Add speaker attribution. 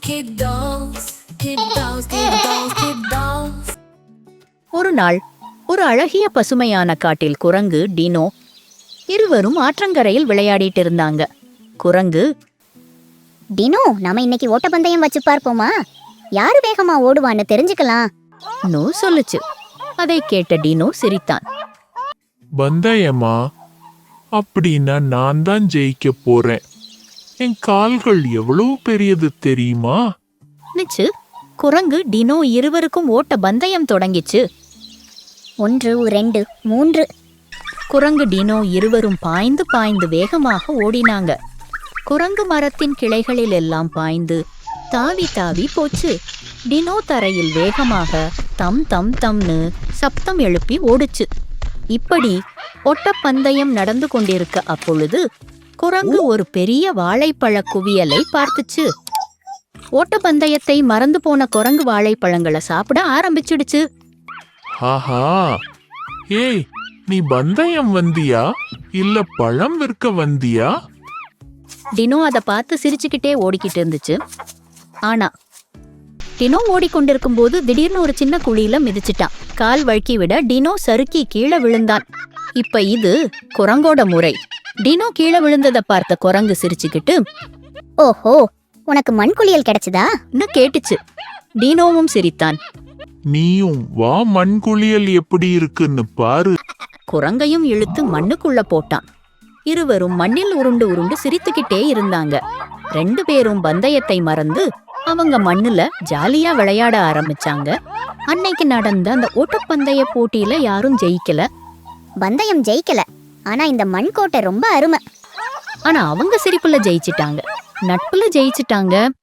Speaker 1: Kid dolls, kid dolls, kid dolls, kid dolls.
Speaker 2: ஒரு நாள் ஒரு அழகிய பசுமையான காட்டில் குரங்கு டினோ இருவரும் ஆற்றங்கரையில் விளையாடிட்டு இருந்தாங்க. குரங்கு,
Speaker 3: டினோ, நாம இன்னைக்கு ஓட்டப்பந்தயம் வச்சு பார்ப்போமா? யாரு வேகமா ஓடுவான்னு தெரிஞ்சுக்கலாம்.
Speaker 2: நோ சொல்லுச்சு. அதை கேட்ட டினோ சிரித்தான்.
Speaker 4: பந்தயமா? அப்படின்னா நான் தான் ஜெயிக்க போறேன். என் கால்கள் எவ்வளவு பெரியது தெரியுமா?
Speaker 2: நிச்சு. குரங்கு டினோ இருவருக்கும் ஓட்ட பந்தயம் தொடங்கிச்சு.
Speaker 3: 1, 2, 3.
Speaker 2: குரங்கு டினோ இருவரும் பாய்ந்து பாய்ந்து வேகமாக ஓடினாங்க. குரங்கு மரத்தின் கிளைகளில் எல்லாம் பாய்ந்து தாவி தாவி போச்சு. டினோ தரையில் வேகமாக தம் தம் தம்னு சப்தம் எழுப்பி ஓடுச்சு. இப்படி ஓட்டப்பந்தயம் நடந்து கொண்டிருக்க அப்பொழுது குரங்கு ஒரு பெரிய வாழைப்பழ குவியலை பார்த்துச்சு. ஓட்டப்பந்தயத்தை மறந்து போன குரங்கு வாழைப்பழங்களை சாப்பிட ஆரம்பிச்சிடுச்சு.
Speaker 4: ஆஹா, ஏய், நீ பந்தயம் வந்தியா இல்ல பழம் விற்க வந்தியா?
Speaker 2: டினோ அதை பார்த்து சிரிச்சுக்கிட்டே ஓடிக்கிட்டு இருந்துச்சு. ஆனா டினோ ஓடிக்கொண்டிருக்கும் போது திடீர்னு ஒரு சின்ன குழியில மிதிச்சிட்டான். கால் வழுக்கி விட டினோ சறுக்கி கீழே விழுந்தான். இப்ப இது குரங்கோட முறை. டினோ கீழே விழுந்ததை பார்த்த குரங்கு சிரிச்சுக்கிட்டு,
Speaker 3: ஓஹோ, உனக்கு மண்குளியல் கிடைச்சதா?
Speaker 2: கேட்டுச்சு. டினோவும் சிரித்தான்.
Speaker 4: நீயும் வா, மண்குளியல் எப்படி இருக்குன்னு பாரு.
Speaker 2: குரங்கையும் இழுத்து மண்ணுக்குள்ள போட்டான். இருவரும் மண்ணில் உருண்டு உருண்டு சிரித்துக்கிட்டே இருந்தாங்க. 2 பேரும் பந்தயத்தை மறந்து அவங்க மண்ணுல ஜாலியா விளையாட ஆரம்பிச்சாங்க. அன்னைக்கு நடந்த அந்த ஓட்டப்பந்தய போட்டியில யாரும் ஜெயிக்கல.
Speaker 3: பந்தயம் ஜெயிக்கல, ஆனா இந்த மண் கோட்டை ரொம்ப அருமை.
Speaker 2: ஆனா அவங்க சிரிப்புல ஜெயிச்சிட்டாங்க, நட்புல ஜெயிச்சிட்டாங்க.